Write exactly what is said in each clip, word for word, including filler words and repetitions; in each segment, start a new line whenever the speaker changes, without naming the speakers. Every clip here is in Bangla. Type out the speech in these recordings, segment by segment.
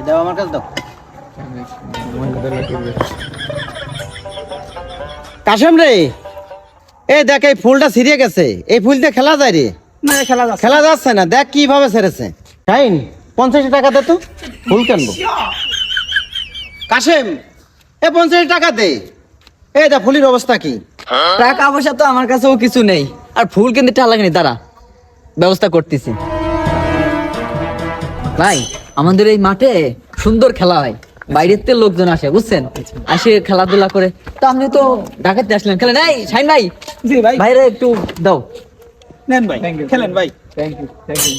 দাও আমার কাছে দাও। কাশেম রে, এই দেখ এই ফুলটা ছিঁড়ে গেছে, এই ফুল দিয়ে খেলা যায় রে?
না খেলা যাচ্ছে
খেলা যাচ্ছে না, দেখ কিভাবে ছেড়েছে। শাইন পঞ্চাশ টাকা দে তো, ফুল কিনবো। কাশেম এ পঞ্চাশ টাকা দে। এই দা ফুলের অবস্থা কি?
টাকা পয়সা তো আমার কাছেও কিছু নেই, আর ফুল কিনতে টাকা লাগেনি, দাঁড়া ব্যবস্থা করতেছি। ভাই আমাদের এই মাঠে সুন্দর খেলা হয়, বাইরের থেকে লোকজন আসে বুঝছেন, আসে খেলাধুলা করে। তো আপনি তো ঢাকাতে আসলেন, খেলেন। এই শাইন ভাই,
জি ভাই,
বাইরে একটু দাও।
নেন ভাই, খেলেন ভাই।
Thank you thank you.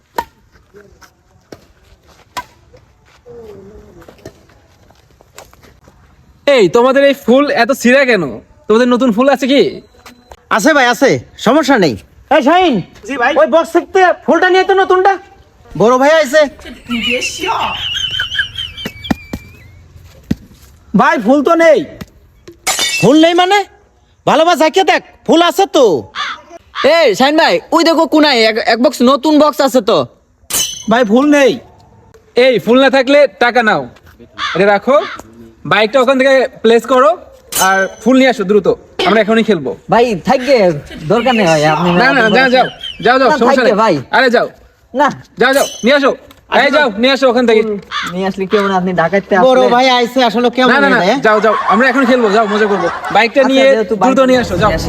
এই তোমাদের এই ফুল এত ছিঁড়া কেন? তোমাদের নতুন ফুল আছে কি?
আছে ভাই আছে, সমস্যা নেই। এই শাইন,
জি ভাই।
ওই বক্স থেকে ফুলটা নিয়ে তো নতুনটা। বড় ভাই আইছে।
ভাই ফুল তো নেই।
ফুল নেই মানে? ভালোবাসা কে দেখ, ফুল আছে তো।
এই শাইন ভাই, ওই দেখো কোনায় এক- এক বক্স নতুন বক্স আছে তো।
ভাই ফুল নেই।
এই ফুল না থাকলে টাকা নাও, এটা রাখো, বাইকটা ওখান থেকে প্লেস করো, আর ফুল নিয়ে আসো দ্রুত, আমরা এখনই খেলবো।
ভাই থাকবে, দরকার নেই ভাই, আপনি
না না, যাও যাও যাও যাও,
না,
সমস্যা
থাকবে
নেই
ভাই।
আরে যাও
না
যাও যাও, নিয়ে আসো, এই যাও নিয়ে আসো ওখান থেকে।
নিয়ে আসলে কেমন, আপনি ঢাকাতে
বড়
আসলে
ভাই আইছে আসলে কেমন
না না না,
এটা, এ?
যাও যাও, আমরা এখন খেলবো, যাও মজা করবো, বাইকটা
আচ্ছা,
নিয়ে
যেহেতু বাইক
দ্রুত নিয়ে আসো, যাও।
নিয়ে আসি।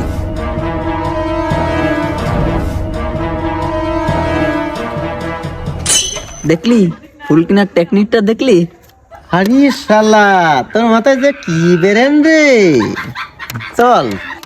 দেখলি ফুল কেনার টেকনিকটা দেখলি?
আরে শালা, তোর মাথায় যে কি বেরেন রে। চল